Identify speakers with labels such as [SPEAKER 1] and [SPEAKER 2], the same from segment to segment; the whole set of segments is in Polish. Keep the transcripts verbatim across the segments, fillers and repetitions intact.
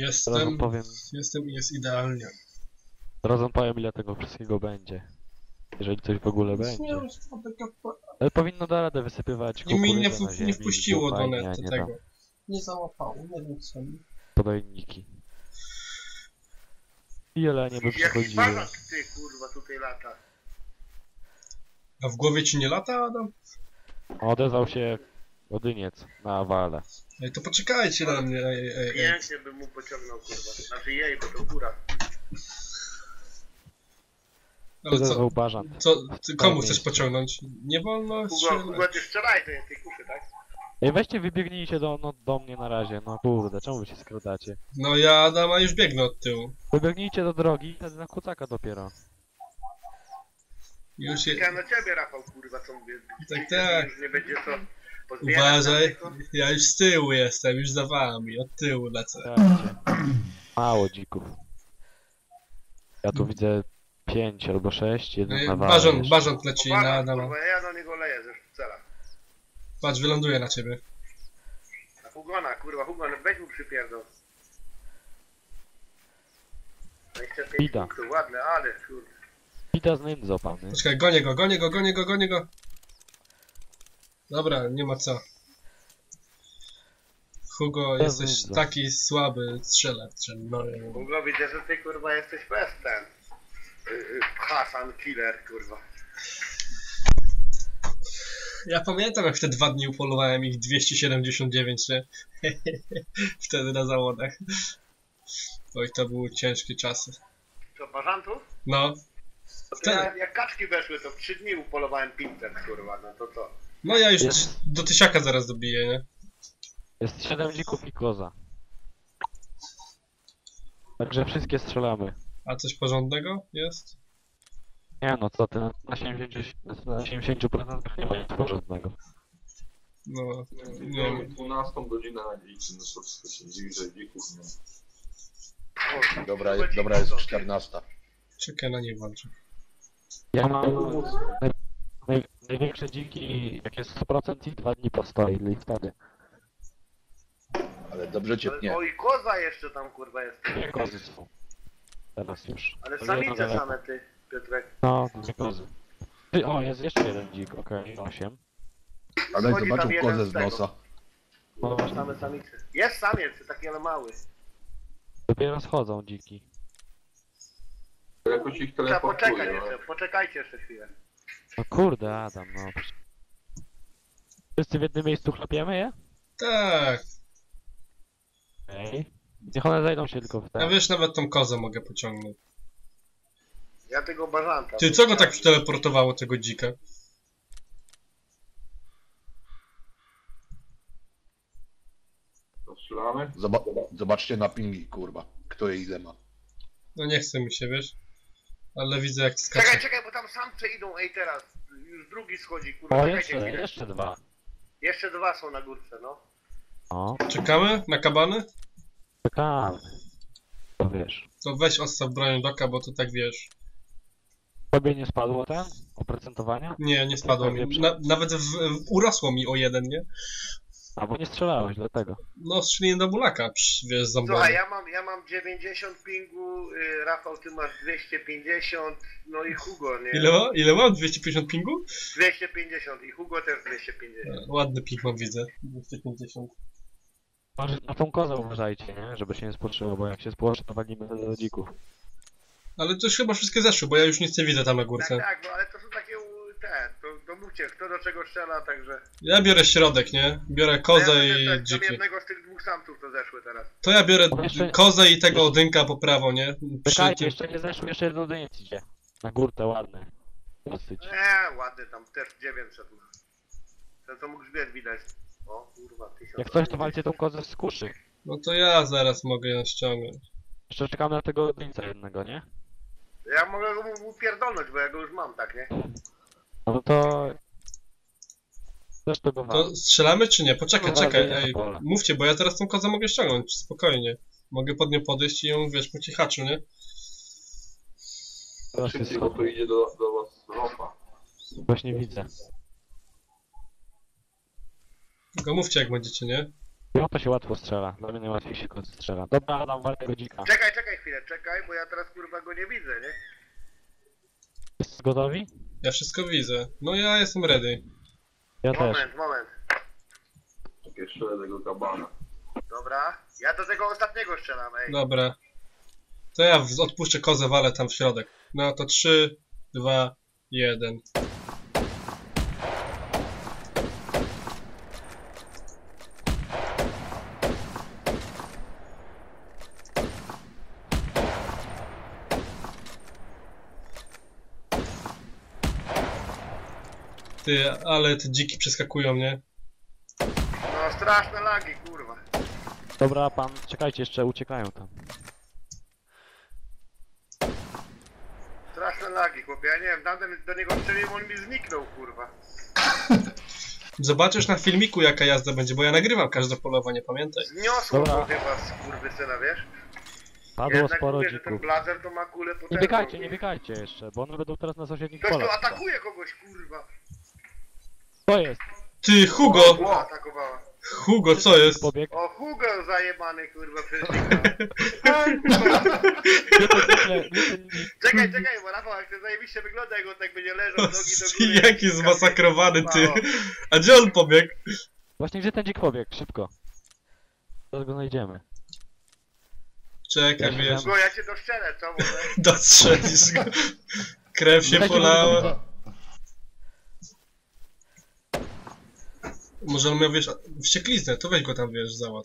[SPEAKER 1] Jestem,
[SPEAKER 2] powiem,
[SPEAKER 1] jestem i jest idealnie.
[SPEAKER 2] zaraz wam powiem ile tego wszystkiego będzie. Jeżeli coś w ogóle będzie. Ale powinno da radę wysypywać
[SPEAKER 1] I mi nie,
[SPEAKER 2] kukurydzę na
[SPEAKER 1] w,
[SPEAKER 2] ziemi,
[SPEAKER 1] nie wpuściło do
[SPEAKER 2] fajnie, a
[SPEAKER 1] netu
[SPEAKER 2] nie
[SPEAKER 1] tego.
[SPEAKER 2] tam
[SPEAKER 1] Nie załapało, nie wiem co mi.
[SPEAKER 2] podajniki. I jelenie by
[SPEAKER 3] Jaki
[SPEAKER 2] przychodziły.
[SPEAKER 3] balak ty kurwa tutaj lata.
[SPEAKER 1] A w głowie ci nie lata, Adam?
[SPEAKER 2] Odezwał się Odyniec na wale.
[SPEAKER 1] Ej, to poczekajcie na mnie, ej, ej, ej.
[SPEAKER 3] Pięknie bym mu pociągnął kurwa. Znaczy jej, bo to góra.
[SPEAKER 1] Ale co,
[SPEAKER 2] Odezwał Bażant.
[SPEAKER 1] co, ty komu chcesz
[SPEAKER 2] miejscu.
[SPEAKER 1] pociągnąć? Nie wolno
[SPEAKER 3] Hugo,
[SPEAKER 1] strzelać.
[SPEAKER 3] Hugo ty strzelaj do tej kuszy, tak?
[SPEAKER 2] Ej, weźcie wybiegnijcie do, no, do mnie na razie, no kurde, czemu wy się skradacie?
[SPEAKER 1] No ja Adama już biegnę od tyłu.
[SPEAKER 2] Wybiegnijcie do drogi, wtedy na kucaka dopiero.
[SPEAKER 1] Już je...
[SPEAKER 3] Ja na ciebie Rafał kurwa co mówię.
[SPEAKER 1] Tak, tak.
[SPEAKER 3] Już nie będzie co pozbierać
[SPEAKER 1] Uważaj,
[SPEAKER 3] tam tylko.
[SPEAKER 1] ja już z tyłu jestem, już za wami, od tyłu lecę.
[SPEAKER 2] Dajcie. Mało dzików. Ja tu widzę pięć albo sześć, jeden
[SPEAKER 1] Ej,
[SPEAKER 2] na wale
[SPEAKER 1] Bażant,
[SPEAKER 2] jeszcze.
[SPEAKER 1] Bażant leci na
[SPEAKER 3] Uwaga,
[SPEAKER 1] Adama.
[SPEAKER 3] kurwa, ja na niego leję ze szpicela.
[SPEAKER 1] Patrz, wyląduje na ciebie.
[SPEAKER 3] Na Hugona, kurwa, Hugon, weź mu przypierdol. dwadzieścia pięć
[SPEAKER 2] Bida.
[SPEAKER 3] punktów, ładne, ale kurde.
[SPEAKER 2] Pita z Nędzo, pany.
[SPEAKER 1] Poczekaj, gonię go, gonię go, gonię go, gonię go. Dobra, nie ma co. Hugo,
[SPEAKER 2] Ja
[SPEAKER 1] jesteś
[SPEAKER 2] widzę.
[SPEAKER 1] taki słaby strzelec. No,
[SPEAKER 3] Hugo, widzę, że ty kurwa jesteś bez ten. Yy, yy, Hasan Killer, kurwa.
[SPEAKER 1] ja pamiętam jak te dwa dni upolowałem ich dwieście siedemdziesiąt dziewięć, nie? Wtedy na zawodach. Oj, to były ciężkie czasy.
[SPEAKER 3] Co, bażantów?
[SPEAKER 1] No,
[SPEAKER 3] To ty,
[SPEAKER 1] Tak.
[SPEAKER 3] ja, jak kaczki weszły, to w trzy dni upolowałem pięćset, kurwa, no to co?
[SPEAKER 1] no ja już
[SPEAKER 2] Jest.
[SPEAKER 1] do tysiaka zaraz dobiję, nie?
[SPEAKER 2] Jest siedem dzików i koza. Także wszystkie strzelamy.
[SPEAKER 1] A coś porządnego jest?
[SPEAKER 2] Nie no, co ty, na siedemdziesiąt na siedemdziesiąt procent nie ma nic porządnego.
[SPEAKER 1] No, nie
[SPEAKER 4] Nie
[SPEAKER 1] wiem.
[SPEAKER 4] wiem, dwunastą godzinę na liczy, no to wszystko się dziwi, że dzików nie ma.
[SPEAKER 3] O,
[SPEAKER 5] Dobra,
[SPEAKER 3] kurwa,
[SPEAKER 5] dobra
[SPEAKER 3] dziwko
[SPEAKER 5] jest
[SPEAKER 3] to.
[SPEAKER 5] czternasta.
[SPEAKER 1] Czekaj, na nie walczę.
[SPEAKER 2] Ja mam naj, naj, największe dziki, jak jest sto procent i dwa dni postoi i wtedy.
[SPEAKER 5] Ale dobrze cię pnie.
[SPEAKER 3] O, i koza jeszcze tam, kurwa, jest.
[SPEAKER 2] Dwie kozy są. Teraz już.
[SPEAKER 3] Ale
[SPEAKER 2] To
[SPEAKER 3] samice
[SPEAKER 2] jedno
[SPEAKER 3] same, ty, Piotrek.
[SPEAKER 2] No, dwie kozy. Ty, o, jest jeszcze jeden dzik, okej, osiem.
[SPEAKER 5] Ale
[SPEAKER 3] Chodzi
[SPEAKER 5] zobaczył
[SPEAKER 3] tam jeden
[SPEAKER 5] kozę
[SPEAKER 3] z
[SPEAKER 5] z
[SPEAKER 3] tego.
[SPEAKER 5] nosa.
[SPEAKER 2] No właśnie,
[SPEAKER 3] Same samice. Jest samiec, taki ale mały.
[SPEAKER 2] dopiero schodzą dziki.
[SPEAKER 4] Jakoś ich
[SPEAKER 3] Trzeba poczekać
[SPEAKER 4] teleportuje,
[SPEAKER 3] jeszcze, poczekajcie jeszcze chwilę.
[SPEAKER 2] No kurde, Adam, no. Wszyscy w jednym miejscu chlapiemy je?
[SPEAKER 1] Tak,
[SPEAKER 2] Ej. Niech one zajdą się tylko w
[SPEAKER 1] ja
[SPEAKER 2] ten.
[SPEAKER 1] wiesz, nawet tą kozę mogę pociągnąć.
[SPEAKER 3] Ja tego bażanta.
[SPEAKER 1] Ty, co go tak przeteleportowało, tego dzika?
[SPEAKER 4] to strzelamy.
[SPEAKER 5] Zoba zobaczcie na pingi, kurwa. Kto je ile ma.
[SPEAKER 1] No nie chce mi się, wiesz? Ale widzę jak to
[SPEAKER 3] Czekaj,
[SPEAKER 1] skacze.
[SPEAKER 3] czekaj, bo tam samce idą, ej teraz. Już drugi schodzi, kurwa,
[SPEAKER 2] O,
[SPEAKER 3] czekajcie
[SPEAKER 2] jeszcze,
[SPEAKER 3] chwilę.
[SPEAKER 2] jeszcze dwa.
[SPEAKER 3] Jeszcze dwa są na górce, no.
[SPEAKER 2] O,
[SPEAKER 1] Czekamy na kabany?
[SPEAKER 2] czekamy. To wiesz.
[SPEAKER 1] To weź odstaw broń doka, bo to tak wiesz.
[SPEAKER 2] Tobie nie spadło ten? Oprocentowania?
[SPEAKER 1] Nie, nie spadło mi. Na, nawet w, w, urosło mi o jeden, nie?
[SPEAKER 2] Albo nie strzelałeś, dlatego.
[SPEAKER 1] No, strzeliłem do bulaka, psz, wiesz,
[SPEAKER 3] Słuchaj,
[SPEAKER 1] zombie.
[SPEAKER 3] ja mam, ja mam dziewięćdziesiąt pingu, y, Rafał, ty masz dwieście pięćdziesiąt, no i Hugo, nie?
[SPEAKER 1] Ile ma? Ile mam? dwieście pięćdziesiąt pingu?
[SPEAKER 3] dwieście pięćdziesiąt i Hugo też dwieście pięćdziesiąt.
[SPEAKER 1] E, Ładny ping mam, widzę. dwieście pięćdziesiąt.
[SPEAKER 2] Może na tą kozę uważajcie, nie? Żeby się nie spłoszyło, bo jak się spłoszy, to walimy do dzików.
[SPEAKER 1] Ale to już chyba wszystkie zeszły, bo ja już nic nie widzę tam na
[SPEAKER 3] Tak,
[SPEAKER 1] górce.
[SPEAKER 3] tak, no ale to są takie, u- te, to, to mówcie, kto do czego strzela, także...
[SPEAKER 1] Ja biorę środek, nie? Biorę kozę
[SPEAKER 3] ja
[SPEAKER 1] i
[SPEAKER 3] też, tam
[SPEAKER 1] dziki.
[SPEAKER 3] jednego z tych dwóch samców to zeszły teraz.
[SPEAKER 1] To ja biorę
[SPEAKER 2] No jeszcze-
[SPEAKER 1] kozę i tego odynka po prawo, nie? Przy
[SPEAKER 2] Czekajcie,
[SPEAKER 1] tym...
[SPEAKER 2] jeszcze nie zeszło, jeszcze jeden dyniec idzie. Na górkę, ładny. Dosyć.
[SPEAKER 3] Eee, ładny tam, też dziewięćset ma. Ten co mógł grzbiet widać. O kurwa, tysiąc.
[SPEAKER 2] Jak coś, to walcie tą kozę z kuszy.
[SPEAKER 1] No to ja zaraz mogę ją ściągnąć.
[SPEAKER 2] Jeszcze czekamy na tego dyńca jednego, nie?
[SPEAKER 3] Ja mogę go mu upierdolnąć, bo ja go już mam, tak, nie?
[SPEAKER 2] No to... Też tego wam.
[SPEAKER 1] To strzelamy czy nie? Poczekaj,
[SPEAKER 2] No,
[SPEAKER 1] czekaj,
[SPEAKER 2] zaraz
[SPEAKER 1] ej.
[SPEAKER 2] na pole.
[SPEAKER 1] Mówcie, bo ja teraz tą kozę mogę ściągnąć, spokojnie. Mogę pod nią podejść i ją, wiesz, po cichaczu, nie?
[SPEAKER 2] Teraz jest
[SPEAKER 4] Szybciej, bo to idzie do, do was ropa.
[SPEAKER 2] Właśnie widzę.
[SPEAKER 1] Tylko mówcie jak będziecie, nie?
[SPEAKER 2] No to się łatwo strzela. Dla mnie najłatwiej się go strzela. Dobra, Adam, wal tego dzika.
[SPEAKER 3] Czekaj, czekaj chwilę, czekaj, bo ja teraz kurwa go nie widzę, nie?
[SPEAKER 2] Jest gotowi?
[SPEAKER 1] Ja wszystko widzę. No ja jestem ready.
[SPEAKER 2] Ja też.
[SPEAKER 3] Moment, moment.
[SPEAKER 4] Takie strzelę tego kabana.
[SPEAKER 3] Dobra. Ja do tego ostatniego strzelam, ej.
[SPEAKER 1] Dobra. To ja w- odpuszczę kozę, walę tam w środek. No to trzy, dwa, jeden. Ty, ale te dziki przeskakują, nie?
[SPEAKER 3] No straszne lagi, kurwa.
[SPEAKER 2] Dobra, pan, czekajcie, jeszcze uciekają tam.
[SPEAKER 3] Straszne lagi, chłopie. Ja nie wiem, tamten do niego strzeliłem, on mi zniknął, kurwa.
[SPEAKER 1] Zobaczysz na filmiku jaka jazda będzie, bo ja nagrywam każde polowanie, pamiętaj.
[SPEAKER 3] Zniosło
[SPEAKER 2] Dobra.
[SPEAKER 3] go chyba z kurwysyna, wiesz?
[SPEAKER 2] Padło
[SPEAKER 3] Jednak
[SPEAKER 2] sporo
[SPEAKER 3] mówię, że ten
[SPEAKER 2] dzików.
[SPEAKER 3] blazer to ma kulę
[SPEAKER 2] Nie
[SPEAKER 3] potężną.
[SPEAKER 2] biegajcie, nie biegajcie jeszcze, bo one będą teraz na sąsiednich
[SPEAKER 3] Ktoś tu
[SPEAKER 2] polach.
[SPEAKER 3] atakuje kogoś, kurwa.
[SPEAKER 2] To jest!
[SPEAKER 1] Ty, Hugo!
[SPEAKER 3] Kurwa atakowała.
[SPEAKER 1] Hugo, co jest?
[SPEAKER 2] Pobieg.
[SPEAKER 3] O, Hugo zajebany, kurwa, przez dzika.
[SPEAKER 2] Nie ten dzik, le- nie ten dzik.
[SPEAKER 3] Czekaj, czekaj, bo Rafał, jak to zajebiście wygląda, jak on tak będzie leżał, nogi do góry.
[SPEAKER 1] Jaki zmasakrowany, ty!
[SPEAKER 3] O,
[SPEAKER 1] A gdzie on pobiegł?
[SPEAKER 2] Właśnie gdzie ten dzik pobiegł? Szybko. Zaraz go znajdziemy.
[SPEAKER 1] Czekaj,
[SPEAKER 2] Ja się
[SPEAKER 1] wiesz,
[SPEAKER 3] Hugo, ja cię doszczelę, co może?
[SPEAKER 1] dostrzelisz go. Krew się
[SPEAKER 2] Dajcie
[SPEAKER 1] polała.
[SPEAKER 2] go-
[SPEAKER 1] Może on miał, wiesz, wściekliznę, to weź go tam, wiesz, załatw.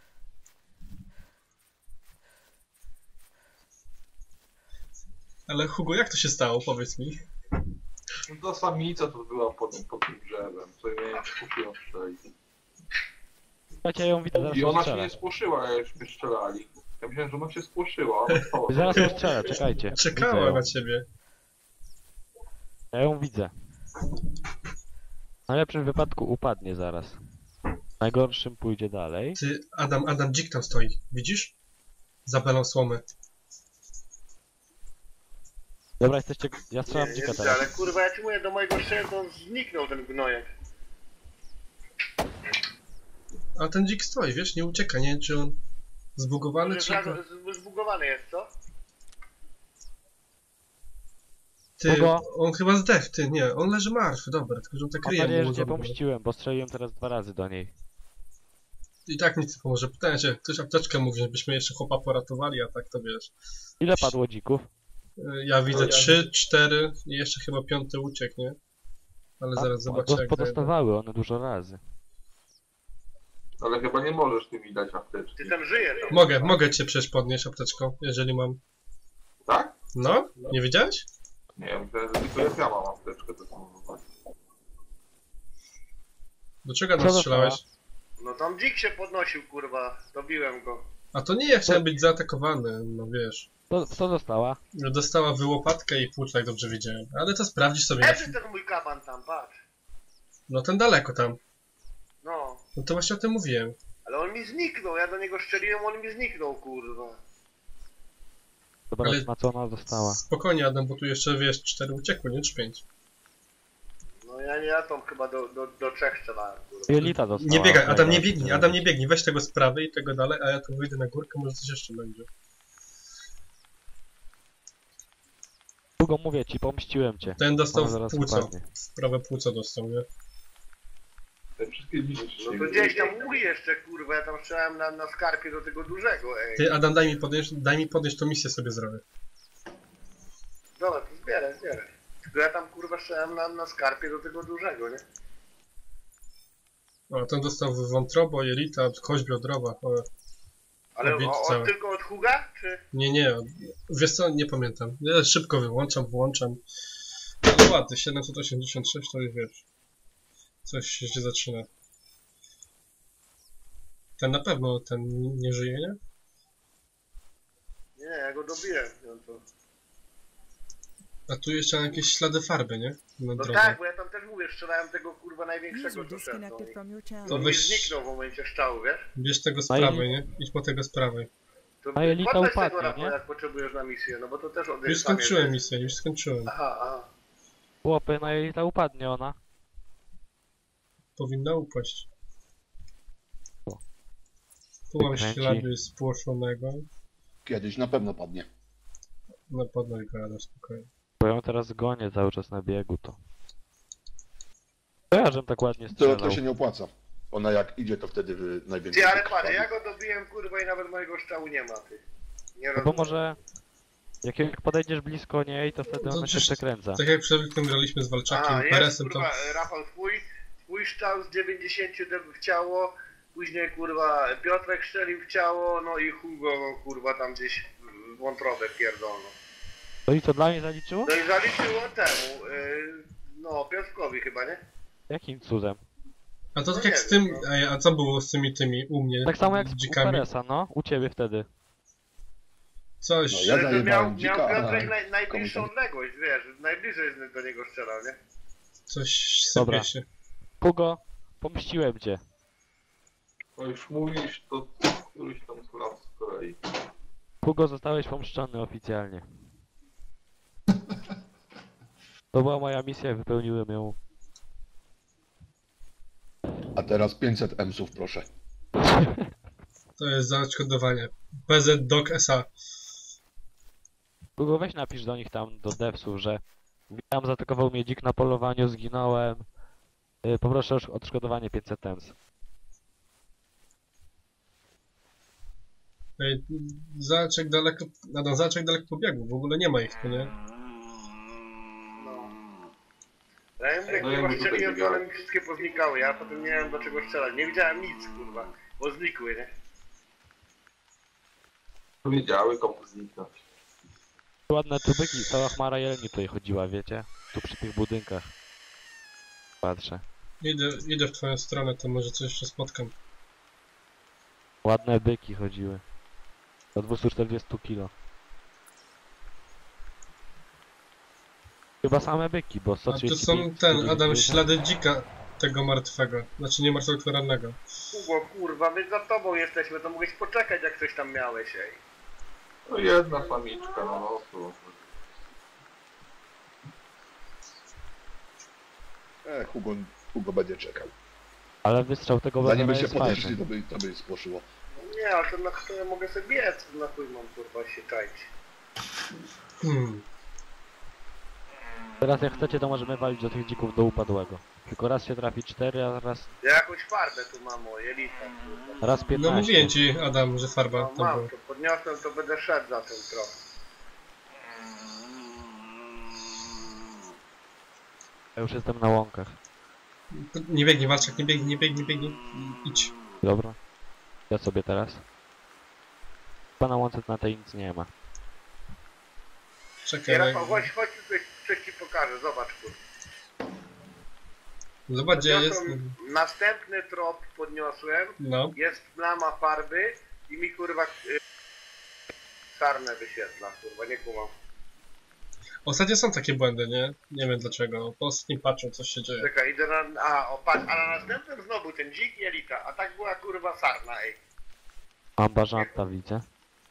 [SPEAKER 1] Ale Hugo, jak to się stało, powiedz mi?
[SPEAKER 4] No ta samica to była pod, pod tym drzewem, co ja miałem spuszyła strzelić.
[SPEAKER 2] Słuchajcie, ja ją widzę, zaraz
[SPEAKER 4] I
[SPEAKER 2] ją
[SPEAKER 4] ona się
[SPEAKER 2] strzelę.
[SPEAKER 4] nie spłoszyła, jak już mnie strzelali. Ja myślałem, że ona się spłoszyła, ale stała.
[SPEAKER 2] Zaraz ją strzelę, czekajcie. Widzę
[SPEAKER 1] Czekała
[SPEAKER 2] ją.
[SPEAKER 1] na ciebie.
[SPEAKER 2] Ja ją widzę. W najlepszym wypadku upadnie zaraz. W najgorszym pójdzie dalej.
[SPEAKER 1] Ty, Adam, Adam, dzik tam stoi, widzisz? Za belą słomy.
[SPEAKER 2] Dobra, jesteście... Ja
[SPEAKER 3] Nie,
[SPEAKER 2] strzelam
[SPEAKER 3] nie
[SPEAKER 2] dzika
[SPEAKER 3] widzę,
[SPEAKER 2] teraz.
[SPEAKER 3] ale kurwa, ja ci mówię, do mojego szczęścia to on zniknął ten gnojek.
[SPEAKER 1] A ten dzik stoi, wiesz, nie ucieka, nie wiem, czy on zbugowany, czy...
[SPEAKER 3] Że z- Zbugowany jest, co?
[SPEAKER 1] Ty,
[SPEAKER 2] Hugo?
[SPEAKER 1] on chyba zdechł, ty, nie, on leży martwy, dobra, tylko że on tak
[SPEAKER 2] Mam
[SPEAKER 1] ryje
[SPEAKER 2] nadzieję,
[SPEAKER 1] mu
[SPEAKER 2] że cię
[SPEAKER 1] zabugował.
[SPEAKER 2] pomściłem, bo strzeliłem teraz dwa razy do niej.
[SPEAKER 1] I tak nic nie pomoże. Pytałem się, ktoś apteczkę mówi, żebyśmy jeszcze chłopa poratowali, a tak to wiesz.
[SPEAKER 2] Ile padło dzików?
[SPEAKER 1] Y, Ja widzę
[SPEAKER 4] ja
[SPEAKER 1] trzy, cztery i jeszcze chyba piąty uciekł, nie? Ale
[SPEAKER 2] A,
[SPEAKER 1] zaraz zobaczę
[SPEAKER 2] do-
[SPEAKER 1] jak zajdę.
[SPEAKER 2] Podostawały one dużo razy.
[SPEAKER 4] Ale chyba nie możesz ty mi dać apteczki.
[SPEAKER 3] Ty tam żyje tam.
[SPEAKER 1] Mogę, mogę cię przecież podnieść apteczką, jeżeli mam.
[SPEAKER 4] Tak?
[SPEAKER 1] No? Nie wiedziałeś?
[SPEAKER 4] Nie, ja myślałem, że tylko jak ja mam apteczkę, to są
[SPEAKER 1] Do czego
[SPEAKER 2] Co
[SPEAKER 1] nas strzelałeś?
[SPEAKER 3] No tam dzik się podnosił, kurwa. Dobiłem go.
[SPEAKER 1] A to nie ja chciałem być zaatakowany, no wiesz.
[SPEAKER 2] To, co dostała?
[SPEAKER 1] Dostała wyłopatkę i płuc, jak dobrze wiedziałem. Ale to sprawdzisz sobie na...
[SPEAKER 3] Leży ten mój kaban tam, patrz.
[SPEAKER 1] No ten daleko tam.
[SPEAKER 3] No.
[SPEAKER 1] No to właśnie o tym mówiłem.
[SPEAKER 3] Ale on mi zniknął, ja do niego strzeliłem, on mi zniknął, kurwa.
[SPEAKER 2] Dobra,
[SPEAKER 1] Ale-
[SPEAKER 2] na co ona dostała?
[SPEAKER 1] Spokojnie Adam, bo tu jeszcze wiesz, cztery uciekły, nie? Czy pięć.
[SPEAKER 3] No ja nie, ja tam chyba do, do, do trzech strzelałem, kurwa.
[SPEAKER 2] Jelita dostała.
[SPEAKER 1] Nie biegaj, Adam nie
[SPEAKER 2] Najgorzej.
[SPEAKER 1] biegnij, Adam nie biegnij, weź tego z prawej i tego dalej, a ja tu wyjdę na górkę, może coś jeszcze będzie.
[SPEAKER 2] Długo mówię ci, pomściłem cię.
[SPEAKER 1] Ten dostał
[SPEAKER 2] Ona
[SPEAKER 1] w
[SPEAKER 2] zaraz
[SPEAKER 1] płuco,
[SPEAKER 2] upadnie.
[SPEAKER 1] w prawe płuco dostał, nie?
[SPEAKER 4] te wszystkie dziki
[SPEAKER 3] No to gdzieś tam mój jeszcze, kurwa, ja tam strzelałem na, na skarpie do tego dużego, ej.
[SPEAKER 1] Ty Adam, daj mi podnieść, daj mi podnieść, to misję sobie zrobię.
[SPEAKER 3] Dobra, to zbieraj, zbieraj. Tylko ja tam, kurwa, strzelałem na, na skarpie do tego dużego, nie?
[SPEAKER 1] O, ten dostał w wątrobo, jelita, kość biodrowa. O,
[SPEAKER 3] Ale
[SPEAKER 1] Obity
[SPEAKER 3] o,
[SPEAKER 1] cały.
[SPEAKER 3] o, tylko od Huga, czy?
[SPEAKER 1] nie, nie, wiesz co, nie pamiętam. Ja szybko wyłączam, włączam. Ale ładny, siedemset osiemdziesiąt sześć to już wiesz. Coś się zaczyna. Ten na pewno, ten nie żyje, nie?
[SPEAKER 3] Nie, ja go dobiłem, no to...
[SPEAKER 1] A tu jeszcze jakieś ślady farby, nie? Na
[SPEAKER 3] No
[SPEAKER 1] drodze.
[SPEAKER 3] tak, bo ja tam też mówię, strzelałem tego, kurwa, największego,
[SPEAKER 6] User
[SPEAKER 3] co szedł. No,
[SPEAKER 6] disconnected from your
[SPEAKER 1] To
[SPEAKER 6] channel.
[SPEAKER 3] to mi
[SPEAKER 1] weź-
[SPEAKER 3] zniknął w momencie szczału, wiesz?
[SPEAKER 1] Bierz tego z
[SPEAKER 2] A i-
[SPEAKER 1] prawej, nie? Idź po tego z prawej.
[SPEAKER 3] To
[SPEAKER 2] A Jelita
[SPEAKER 3] podnoś
[SPEAKER 2] upadnie,
[SPEAKER 3] tego, Rafał,
[SPEAKER 2] nie?
[SPEAKER 3] jak potrzebujesz na misję, no bo to też od
[SPEAKER 1] Już skończyłem misję, już skończyłem.
[SPEAKER 3] Aha, aha.
[SPEAKER 2] Chłopy, na Jelita upadnie ona.
[SPEAKER 1] Powinna upaść. Tu mam
[SPEAKER 2] Wykręci.
[SPEAKER 1] ślady spłoszonego.
[SPEAKER 5] Kiedyś na pewno padnie.
[SPEAKER 1] No podnoś go, ale spokojnie.
[SPEAKER 2] Bo ja ją teraz gonię cały czas na biegu, to... To ja, żem tak ładnie
[SPEAKER 5] To,
[SPEAKER 2] strzelał.
[SPEAKER 5] to się nie opłaca. Ona jak idzie, to wtedy wy- najwięcej
[SPEAKER 3] Ty, ale
[SPEAKER 5] wykrwawi.
[SPEAKER 3] patrz, ja go dobiłem, kurwa, i nawet mojego strzału nie ma, ty. Nie
[SPEAKER 2] No bo
[SPEAKER 3] rozumiem.
[SPEAKER 2] może... Jak, jak podejdziesz blisko niej, to wtedy
[SPEAKER 1] No
[SPEAKER 2] ona się
[SPEAKER 1] przecież-
[SPEAKER 2] przekręca.
[SPEAKER 1] Tak jak przed tym graliśmy z Walczakiem,
[SPEAKER 3] A, jest,
[SPEAKER 1] Peresem, to...
[SPEAKER 3] kurwa, Rafał, twój, twój strzał z dziewięćdziesiąt w ciało, później, kurwa, Piotrek strzelił w ciało, no i Hugo, kurwa, tam gdzieś w wątrobę pierdolno.
[SPEAKER 2] No i co, dla mnie zaliczyło?
[SPEAKER 3] No i zaliczyło temu, yy, no, Piotrkowi chyba, nie?
[SPEAKER 2] Jakim cudem?
[SPEAKER 1] A to
[SPEAKER 3] No
[SPEAKER 1] tak
[SPEAKER 3] nie
[SPEAKER 1] jak z
[SPEAKER 3] wiem,
[SPEAKER 1] tym...
[SPEAKER 3] no.
[SPEAKER 1] Ej, a co było z tymi tymi u mnie?
[SPEAKER 2] Tak samo jak z u
[SPEAKER 1] dzikami?
[SPEAKER 2] Peresa, no? U ciebie wtedy.
[SPEAKER 1] Coś...
[SPEAKER 5] No, ja
[SPEAKER 3] Że
[SPEAKER 5] zajebałem
[SPEAKER 3] miał, miał
[SPEAKER 5] dzika,
[SPEAKER 3] Piotrek
[SPEAKER 5] a
[SPEAKER 3] naj, najbliższą
[SPEAKER 5] komuś
[SPEAKER 3] odległość, wiesz, najbliżej do niego strzelał, nie?
[SPEAKER 1] Coś
[SPEAKER 2] Dobra.
[SPEAKER 1] sypie się.
[SPEAKER 2] Hugo, pomściłem cię.
[SPEAKER 4] No już mówisz, to któryś tam z lat z kolei.
[SPEAKER 2] Hugo, zostałeś pomszczony oficjalnie. To była moja misja, wypełniłem ją.
[SPEAKER 5] A teraz pięćset emsów, proszę.
[SPEAKER 1] To jest za odszkodowanie. P Z Doc S A.
[SPEAKER 2] Hugo, weź napisz do nich tam, do devsów, że witam, zaatakował mnie dzik na polowaniu, zginąłem. Yy, poproszę o odszkodowanie pięćset ems.
[SPEAKER 1] Ej, zobacz jak daleko... Adam, zobacz jak daleko pobiegł. W ogóle nie ma ich tu, nie?
[SPEAKER 3] No. Ja mówię,
[SPEAKER 4] No ja
[SPEAKER 3] kurwa,
[SPEAKER 4] mówię,
[SPEAKER 3] strzeliłem,
[SPEAKER 4] tutaj
[SPEAKER 3] to one mi wszystkie poznikały, ja potem nie miałem do czego strzelać, nie widziałem nic, kurwa, bo znikły, nie?
[SPEAKER 4] Wiedziały komu zniknąć.
[SPEAKER 2] Ładne tubyki, cała chmara jeleni tutaj chodziła, wiecie? Tu przy tych budynkach. Patrzę.
[SPEAKER 1] Idę, idę w twoją stronę, to może coś jeszcze spotkam.
[SPEAKER 2] Ładne byki chodziły. Do dwieście czterdzieści kilo. Chyba same byki, bo
[SPEAKER 1] A
[SPEAKER 2] sto
[SPEAKER 1] tu
[SPEAKER 2] trzydzieści
[SPEAKER 1] są
[SPEAKER 2] pięć,
[SPEAKER 1] ten,
[SPEAKER 2] sto
[SPEAKER 1] Adam,
[SPEAKER 2] dziewięćdziesiąt.
[SPEAKER 1] ślady dzika tego martwego. Znaczy nie martwego, tylko rannego.
[SPEAKER 3] Hugo, kurwa, my za tobą jesteśmy, to mogłeś poczekać, jak coś tam miałeś, ej.
[SPEAKER 4] No jedna samiczka na losu.
[SPEAKER 5] E, Hugo, Hugo będzie czekał.
[SPEAKER 2] Ale wystrzał tego
[SPEAKER 5] Zanim by
[SPEAKER 2] Wezera
[SPEAKER 5] się
[SPEAKER 2] jest fajny.
[SPEAKER 5] podeszli, to by, to by spłoszyło.
[SPEAKER 3] Nie, ale to na to ja mogę sobie biec, na chuj mam, kurwa, się czaić.
[SPEAKER 1] Hmm.
[SPEAKER 2] Teraz jak chcecie, to możemy walić do tych dzików do upadłego. Tylko raz się trafi cztery, a raz,
[SPEAKER 3] Ja jakąś farbę tu mam, o, jelita, kurwa.
[SPEAKER 2] raz
[SPEAKER 1] No
[SPEAKER 2] piętnaście.
[SPEAKER 1] mówiłem ci, Adam, że farba
[SPEAKER 3] No
[SPEAKER 1] to
[SPEAKER 3] mam,
[SPEAKER 1] była.
[SPEAKER 3] to podniosłem, to będę szedł za tym trochę.
[SPEAKER 2] Ja już jestem na łąkach.
[SPEAKER 1] Nie biegnij, Walczak, nie biegnij, nie biegnij, nie biegnij. Idź.
[SPEAKER 2] Dobra. Ja sobie teraz. Chyba na łące na tej nic nie ma.
[SPEAKER 1] Czekaj,
[SPEAKER 3] Ej,
[SPEAKER 1] no,
[SPEAKER 3] Rafał, chodź, chodź, tu coś, coś ci pokażę, zobacz, kurwa.
[SPEAKER 1] zobacz gdzie jest.
[SPEAKER 3] Podniosłem następny trop podniosłem,
[SPEAKER 1] No.
[SPEAKER 3] jest plama farby i mi, kurwa, y, sarnę wyświetla, kurwa, nie kumam.
[SPEAKER 1] Ostatnio są takie błędy, nie? Nie wiem dlaczego. Po ostatnim patchu coś się dzieje.
[SPEAKER 3] Czekaj, idę na... A, o, patrz, a na następnym znowu ten dzik i elita, a tak była, kurwa, sarna, ej.
[SPEAKER 2] Mam bażanta, widzę.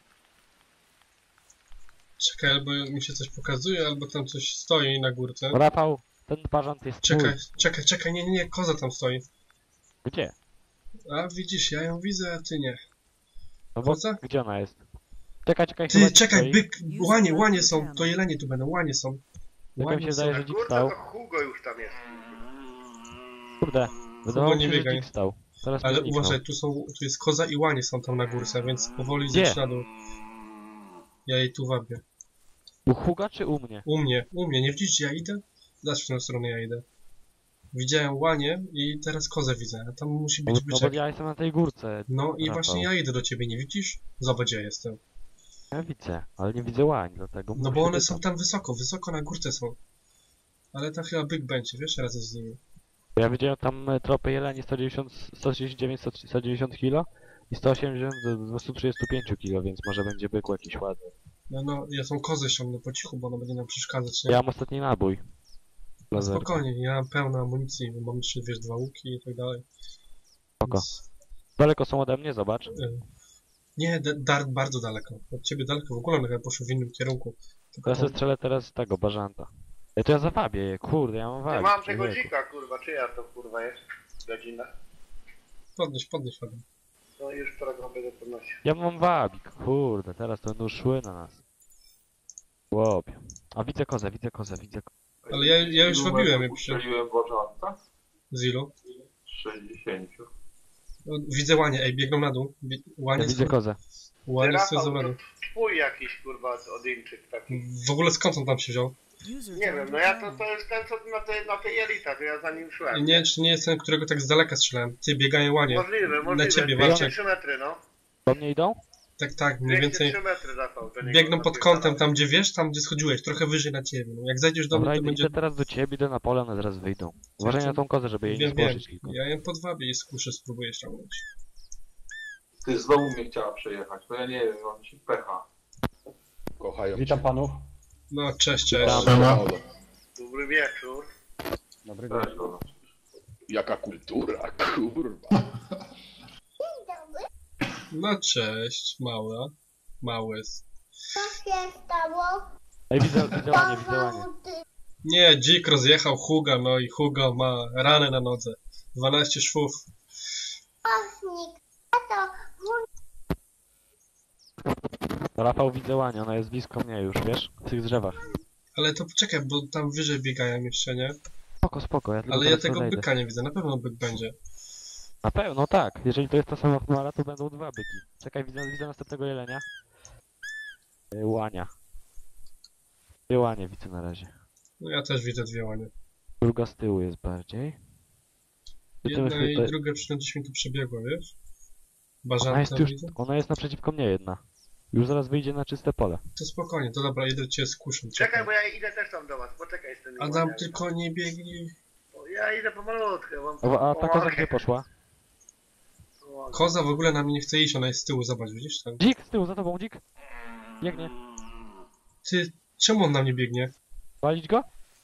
[SPEAKER 1] Czekaj, albo mi się coś pokazuje, albo tam coś stoi na górce.
[SPEAKER 2] Rafał, ten bażant jest
[SPEAKER 1] Czekaj,
[SPEAKER 2] mój.
[SPEAKER 1] czekaj, czekaj, nie, nie, nie, koza tam stoi.
[SPEAKER 2] Gdzie?
[SPEAKER 1] A widzisz, ja ją widzę, a ty nie.
[SPEAKER 2] No bo
[SPEAKER 1] Koza?
[SPEAKER 2] gdzie ona jest? Czekaj, czekaj, chyba
[SPEAKER 1] Ty,
[SPEAKER 2] dzik
[SPEAKER 1] czekaj,
[SPEAKER 2] stoi.
[SPEAKER 1] byk, łanie, łanie są, to jelenie tu będą, łanie są.
[SPEAKER 2] mi
[SPEAKER 1] Łanie
[SPEAKER 2] się
[SPEAKER 1] są.
[SPEAKER 2] zdaje,
[SPEAKER 3] A
[SPEAKER 2] że dzik
[SPEAKER 3] kurde,
[SPEAKER 2] stał.
[SPEAKER 3] to Hugo już tam jest.
[SPEAKER 2] Kurde, wydawało
[SPEAKER 1] nie
[SPEAKER 2] mi się, że
[SPEAKER 1] biegaj.
[SPEAKER 2] dzik stał. Teraz
[SPEAKER 1] Ale
[SPEAKER 2] mi zniknął.
[SPEAKER 1] uważaj, tu są, tu jest koza i łanie są tam na górce, więc powoli
[SPEAKER 2] Gdzie?
[SPEAKER 1] zjedź na dół. Ja jej tu wabię.
[SPEAKER 2] U Huga czy u mnie?
[SPEAKER 1] U mnie, u mnie, nie widzisz, gdzie ja idę? Zobacz, w którą stronę ja idę. Widziałem łanie i teraz kozę widzę, a tam musi
[SPEAKER 2] No,
[SPEAKER 1] być
[SPEAKER 2] no bo
[SPEAKER 1] byczek.
[SPEAKER 2] ja jestem na tej górce.
[SPEAKER 1] No i
[SPEAKER 2] Rafał.
[SPEAKER 1] właśnie ja idę do ciebie, nie widzisz? Zobacz, gdzie ja jestem.
[SPEAKER 2] Ja widzę, ale nie widzę łań, dlatego
[SPEAKER 1] No
[SPEAKER 2] muszę
[SPEAKER 1] bo one
[SPEAKER 2] być
[SPEAKER 1] są
[SPEAKER 2] tam.
[SPEAKER 1] tam wysoko, wysoko na górce są. Ale tam chyba byk będzie, wiesz, razem z nimi.
[SPEAKER 2] Bo ja widziałem tam e, tropy jeleni sto dziewięćdziesiąt, sto trzydzieści dziewięć, sto dziewięćdziesiąt kilo i sto osiemdziesiąt do dwieście trzydzieści pięć kilo, więc może będzie byku jakiś ładny.
[SPEAKER 1] No, no, ja tą kozę ściągnę po cichu, bo ona będzie nam przeszkadzać, nie?
[SPEAKER 2] Ja mam ostatni nabój.
[SPEAKER 1] No
[SPEAKER 2] Laser.
[SPEAKER 1] spokojnie, ja mam pełno amunicji, bo mam jeszcze, wiesz, dwa łuki i tak dalej.
[SPEAKER 2] Spoko.
[SPEAKER 1] Więc,
[SPEAKER 2] Daleko są ode mnie, zobacz.
[SPEAKER 1] y, nie, da, dar, bardzo daleko. Od ciebie daleko, w ogóle one chyba poszły w innym kierunku. Tylko
[SPEAKER 2] Ja sobie
[SPEAKER 1] tam,
[SPEAKER 2] strzelę teraz z tego, bażanta. Ej, to ja zawabię je, kurde, ja mam
[SPEAKER 3] Ja
[SPEAKER 2] wabić.
[SPEAKER 3] mam tego
[SPEAKER 2] człowieku.
[SPEAKER 3] dzika, kurwa, czyja to, kurwa, jest godzina?
[SPEAKER 1] podnieś, podnieś, Adam.
[SPEAKER 3] No już program będę podnosił.
[SPEAKER 2] Ja mam wabik, kurde, teraz to będą szły na nas. Łopie. A widzę kozę, widzę kozę, widzę kozę.
[SPEAKER 1] Ale ja, ja już
[SPEAKER 4] Ilu
[SPEAKER 1] robiłem,
[SPEAKER 4] metrów
[SPEAKER 1] jak przy...
[SPEAKER 4] Ustrzeliłem Bożanta?
[SPEAKER 1] Z ilu?
[SPEAKER 4] sześćdziesiąt.
[SPEAKER 1] No, widzę łanie, ej, biegną na dół. Bie... Łanie
[SPEAKER 2] Ja widzę kozę.
[SPEAKER 1] Łanie z
[SPEAKER 3] Rafał,
[SPEAKER 1] zawodu.
[SPEAKER 3] to twój jakiś kurwa Odyńczyk taki.
[SPEAKER 1] W ogóle skąd on tam się wziął?
[SPEAKER 3] Nie wiem, no ja to, to jest ten co na tej, na tej elita, to ja za nim szłem.
[SPEAKER 1] Nie, czy nie jest ten, którego tak z daleka strzelałem. Ty, biegają łanie.
[SPEAKER 3] Możliwe, możliwe.
[SPEAKER 1] ciebie,
[SPEAKER 3] dwieście
[SPEAKER 1] Walczek.
[SPEAKER 3] trzy metry, no.
[SPEAKER 2] Do mnie idą?
[SPEAKER 1] Tak, tak, mniej
[SPEAKER 3] dwieście
[SPEAKER 1] więcej.
[SPEAKER 3] trzy metry, Rafał. do niego
[SPEAKER 1] Biegną pod
[SPEAKER 3] napierdalał.
[SPEAKER 1] kątem, tam gdzie wiesz, tam gdzie schodziłeś, trochę wyżej na ciebie. No, jak zajdziesz do
[SPEAKER 2] Dobra,
[SPEAKER 1] mnie, to
[SPEAKER 2] idę,
[SPEAKER 1] będzie...
[SPEAKER 2] idę teraz do ciebie, idę na pole, one zaraz wyjdą. Uważaj na tą kozę, żeby jej nie
[SPEAKER 1] Wiem, wiem.
[SPEAKER 2] spłoszyć tylko.
[SPEAKER 1] Ja ją podwabię i skuszę, spróbuję ściągnąć.
[SPEAKER 4] Ty znowu mnie chciała przejechać, no ja nie wiem, mam ci pecha.
[SPEAKER 5] Kochają
[SPEAKER 6] Witam
[SPEAKER 5] cię.
[SPEAKER 6] panów.
[SPEAKER 1] No, cześć, cześć.
[SPEAKER 5] Siema.
[SPEAKER 3] Dobry wieczór.
[SPEAKER 6] Dobry
[SPEAKER 4] Też
[SPEAKER 6] wieczór.
[SPEAKER 4] go.
[SPEAKER 5] Jaka kultura, kurwa.
[SPEAKER 1] No, cześć, mała. Mały.
[SPEAKER 7] Co się stało?
[SPEAKER 2] Ej, widzę, widzę łanie, widzę łanie.
[SPEAKER 1] Nie, dzik rozjechał Huga, no i Hugo ma ranę na nodze. dwanaście szwów.
[SPEAKER 7] Ochnik. A to
[SPEAKER 2] Rafał, widzę łanie, ona jest blisko mnie już, wiesz? W tych drzewach.
[SPEAKER 1] Ale to poczekaj, bo tam wyżej biegają jeszcze, nie?
[SPEAKER 2] Spoko, spoko, ja tylko
[SPEAKER 1] Ale ja
[SPEAKER 2] teraz
[SPEAKER 1] tego
[SPEAKER 2] podejdę.
[SPEAKER 1] byka nie widzę, na pewno byk będzie.
[SPEAKER 2] Na pewno, tak. Jeżeli to jest ta sama chmara, to będą dwa byki. Czekaj, widzę, widzę następnego jelenia. Y, Łania. Dwie łanie widzę na razie.
[SPEAKER 1] No ja też widzę dwie łanie.
[SPEAKER 2] Druga z tyłu jest bardziej. Ty tym
[SPEAKER 1] Jedna i
[SPEAKER 2] tutaj-
[SPEAKER 1] druga przy gdzieś mi tu przebiegła, wiesz?
[SPEAKER 2] Ona jest,
[SPEAKER 1] Bażanta
[SPEAKER 2] już,
[SPEAKER 1] widzę.
[SPEAKER 2] ona jest naprzeciwko mnie jedna. Już zaraz wyjdzie na czyste pole.
[SPEAKER 1] To spokojnie, to dobra, idę cię skuszę.
[SPEAKER 3] Czekaj, bo ja idę też tam do was, poczekaj z tymi
[SPEAKER 1] Adam,
[SPEAKER 3] łaniami.
[SPEAKER 1] tylko nie biegnij.
[SPEAKER 3] O, Ja idę pomalutkę, bo...
[SPEAKER 2] O, a ta koza
[SPEAKER 3] pomogę.
[SPEAKER 2] gdzie poszła?
[SPEAKER 3] Pomogę.
[SPEAKER 1] Koza w ogóle na mnie nie chce iść, ona jest z tyłu, zobacz, widzisz tam?
[SPEAKER 2] Dzik, z tyłu, za tobą, dzik! Biegnie.
[SPEAKER 1] Ty, czemu on na mnie biegnie?
[SPEAKER 2] Walić go?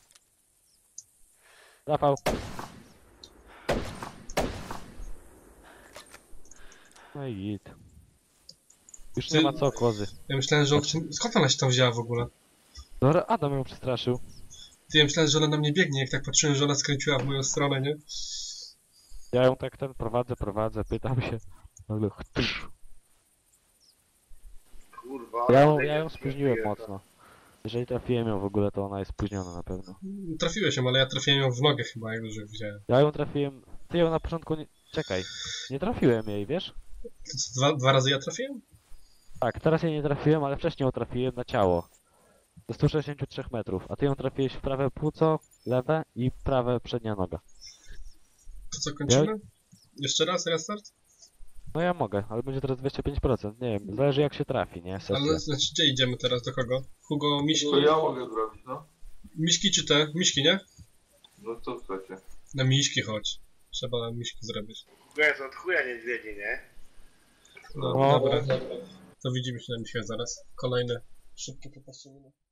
[SPEAKER 2] Rafał. No i git. Już nie
[SPEAKER 1] Ty-
[SPEAKER 2] ma co kozy.
[SPEAKER 1] Ja myślałem, że on... Skąd ona się tam wzięła w ogóle?
[SPEAKER 2] Dobra, Adam ją przestraszył.
[SPEAKER 1] Ty, ja myślałem, że ona na mnie biegnie, jak tak patrzyłem, że ona skręciła w moją stronę, nie?
[SPEAKER 2] Ja ją tak ten prowadzę, prowadzę, pytam się. Nagle chtysz.
[SPEAKER 3] Kurwa.
[SPEAKER 2] Ja ją,
[SPEAKER 3] ale
[SPEAKER 2] ja ją
[SPEAKER 3] jest-
[SPEAKER 2] spóźniłem
[SPEAKER 3] jest-
[SPEAKER 2] mocno. Jeżeli trafiłem ją w ogóle, to ona jest spóźniona na pewno.
[SPEAKER 1] Trafiłeś ją, ale ja trafiłem ją w nogę chyba, jak już widziałem.
[SPEAKER 2] Ja ją trafiłem... Ty ją na początku nie... Czekaj. Nie trafiłem jej, wiesz?
[SPEAKER 1] To co, dwa, dwa razy ja trafiłem?
[SPEAKER 2] Tak, teraz jej nie trafiłem, ale wcześniej ją trafiłem na ciało. Do stu sześćdziesięciu trzech metrów. A ty ją trafiłeś w prawe płuco, lewe i prawe przednia noga.
[SPEAKER 1] To co, kończymy? Jeszcze raz, restart?
[SPEAKER 2] No ja mogę, ale będzie teraz dwadzieścia pięć procent. Nie wiem, zależy jak się trafi, nie? Sesja.
[SPEAKER 1] Ale znaczy, gdzie idziemy teraz, do kogo? Hugo, Miśki?
[SPEAKER 4] To ja mogę zrobić, no.
[SPEAKER 1] Miśki czy te? Miśki, nie?
[SPEAKER 4] No co chcecie?
[SPEAKER 1] Na Miśki chodź. Trzeba na Miśki zrobić.
[SPEAKER 3] Jest od chuja niedźwiedzi, nie?
[SPEAKER 1] No,
[SPEAKER 2] No.
[SPEAKER 1] dobra. To widzimy się na Miśkach zaraz. Kolejne szybkie popatrzenie.